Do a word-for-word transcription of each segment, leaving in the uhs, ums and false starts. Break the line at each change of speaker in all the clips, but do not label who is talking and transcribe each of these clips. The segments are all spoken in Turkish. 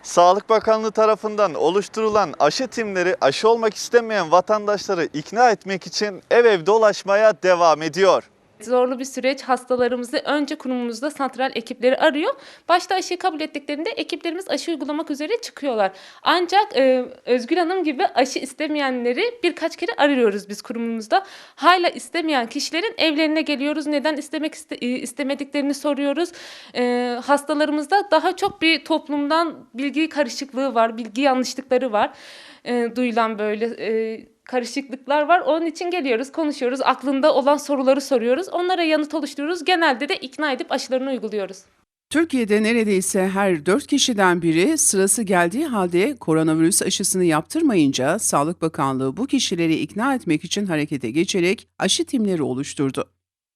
Sağlık Bakanlığı tarafından oluşturulan aşı timleri aşı olmak istemeyen vatandaşları ikna etmek için ev ev dolaşmaya devam ediyor.
Zorlu bir süreç, hastalarımızı önce kurumumuzda santral ekipleri arıyor. Başta aşıyı kabul ettiklerinde ekiplerimiz aşı uygulamak üzere çıkıyorlar. Ancak e, Özgül Hanım gibi aşı istemeyenleri birkaç kere arıyoruz biz kurumumuzda. Hala istemeyen kişilerin evlerine geliyoruz. Neden istemek iste, e, istemediklerini soruyoruz. E, hastalarımızda daha çok bir toplumdan bilgi karışıklığı var, bilgi yanlışlıkları var. E, duyulan böyle e, karışıklıklar var. Onun için geliyoruz, konuşuyoruz. Aklında olan soruları soruyoruz. Onlara yanıt oluşturuyoruz. Genelde de ikna edip aşılarını uyguluyoruz.
Türkiye'de neredeyse her dört kişiden biri sırası geldiği halde koronavirüs aşısını yaptırmayınca Sağlık Bakanlığı bu kişileri ikna etmek için harekete geçerek aşı timleri oluşturdu.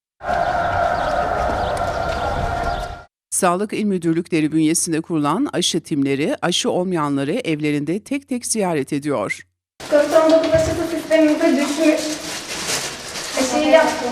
Sağlık İl Müdürlükleri bünyesinde kurulan aşı timleri aşı olmayanları evlerinde tek tek ziyaret ediyor.
covid on dokuz aşısı sistemimize düşmüş. Aşıyı yaptım.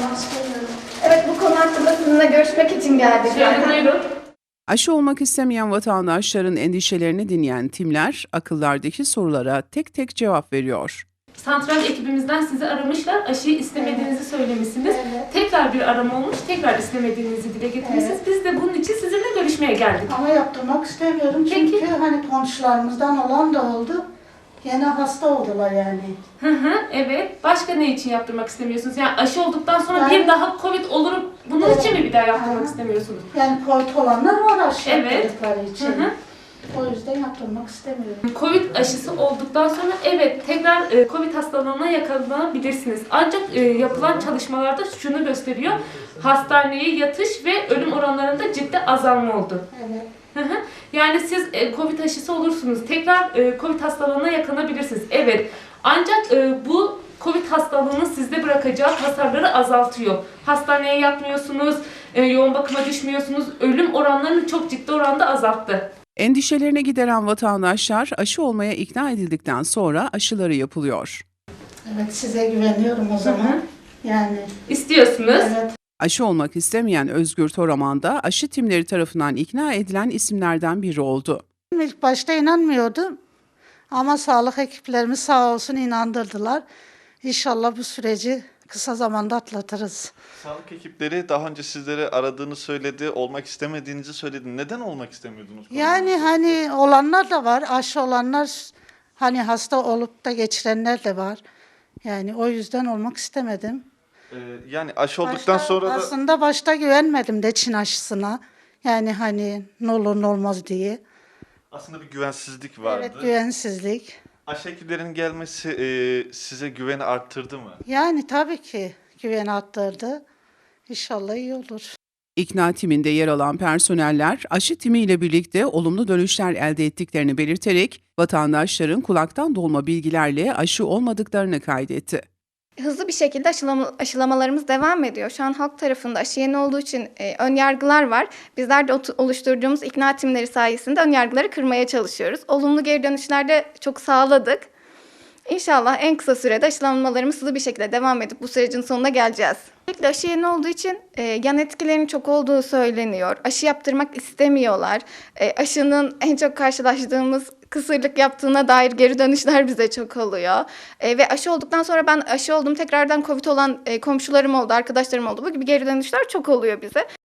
Evet, bu konu hakkında sizinle görüşmek için geldik.
Şöyle buyurun.
Aşı olmak istemeyen vatandaşların endişelerini dinleyen timler akıllardaki sorulara tek tek cevap veriyor.
Santral ekibimizden sizi aramışlar. Aşıyı istemediğinizi söylemişsiniz.
Evet.
Tekrar bir arama olmuş. Tekrar istemediğinizi dile getirmişsiniz.
Evet.
Biz de bunun için sizinle görüşmeye geldik.
Ama yaptırmak istemiyorum çünkü
Peki.
hani komşularımızdan olan da oldu. Yine hasta oldular yani.
Hı hı, evet. Başka ne için yaptırmak istemiyorsunuz? Yani aşı olduktan sonra
Yani-
bir daha Covid olurum. Bunun
Evet.
için mi bir daha yaptırmak
Aha.
istemiyorsunuz?
Yani Covid olanlar var aşı
Evet.
yaptırdıkları için.
Hı hı.
O yüzden yaptırmak istemiyorum.
Covid aşısı olduktan sonra evet tekrar e, Covid hastalığına yakalanabilirsiniz. Ancak e, yapılan çalışmalarda şunu gösteriyor. Hastaneye yatış ve ölüm oranlarında ciddi azalma oldu.
Evet.
Hı hı. Yani siz e, Covid aşısı olursunuz. Tekrar e, Covid hastalığına yakalanabilirsiniz. Evet. Ancak e, bu Covid hastalığının sizde bırakacağı hasarları azaltıyor. Hastaneye yatmıyorsunuz, e, yoğun bakıma düşmüyorsunuz. Ölüm oranlarını çok ciddi oranda azalttı.
Endişelerini gideren vatandaşlar aşı olmaya ikna edildikten sonra aşıları yapılıyor.
Evet, size güveniyorum o zaman. Yani
İstiyorsunuz.
evet.
Aşı olmak istemeyen Özgür Toraman da aşı timleri tarafından ikna edilen isimlerden biri oldu.
İlk başta inanmıyordum. Ama sağlık ekiplerimiz sağ olsun inandırdılar. İnşallah bu süreci kısa zamanda atlatırız.
Sağlık ekipleri daha önce sizleri aradığını söyledi, olmak istemediğinizi söyledi. Neden olmak istemiyordunuz?
Yani hani olanlar da var, aşı olanlar, hani hasta olup da geçirenler de var. Yani o yüzden olmak istemedim.
Ee, yani aşı olduktan
Başta-
sonra da
Aslında başta güvenmedim de Çin aşısına. Yani hani ne olur ne olmaz diye.
aslında bir güvensizlik vardı.
Evet, güvensizlik.
Aşı ekiplerinin gelmesi e, size güveni arttırdı mı?
Yani tabii ki güven arttırdı. İnşallah iyi olur.
İkna timinde yer alan personeller aşı timiyle birlikte olumlu dönüşler elde ettiklerini belirterek vatandaşların kulaktan dolma bilgilerle aşı olmadıklarını kaydetti.
Hızlı bir şekilde aşılama, aşılamalarımız devam ediyor. Şu an halk tarafında aşı yeni olduğu için e, ön yargılar var. Bizler de ot- oluşturduğumuz ikna timleri sayesinde ön yargıları kırmaya çalışıyoruz. Olumlu geri dönüşler de çok sağladık. İnşallah en kısa sürede aşılamalarımız hızlı bir şekilde devam edip bu sürecin sonuna geleceğiz. Özellikle aşı yeni olduğu için e, yan etkilerinin çok olduğu söyleniyor. Aşı yaptırmak istemiyorlar. E, aşının en çok karşılaştığımız kısırlık yaptığına dair geri dönüşler bize çok oluyor. E, ve aşı olduktan sonra ben aşı oldum tekrardan Covid olan e, komşularım oldu, arkadaşlarım oldu. Bu gibi geri dönüşler çok oluyor bize.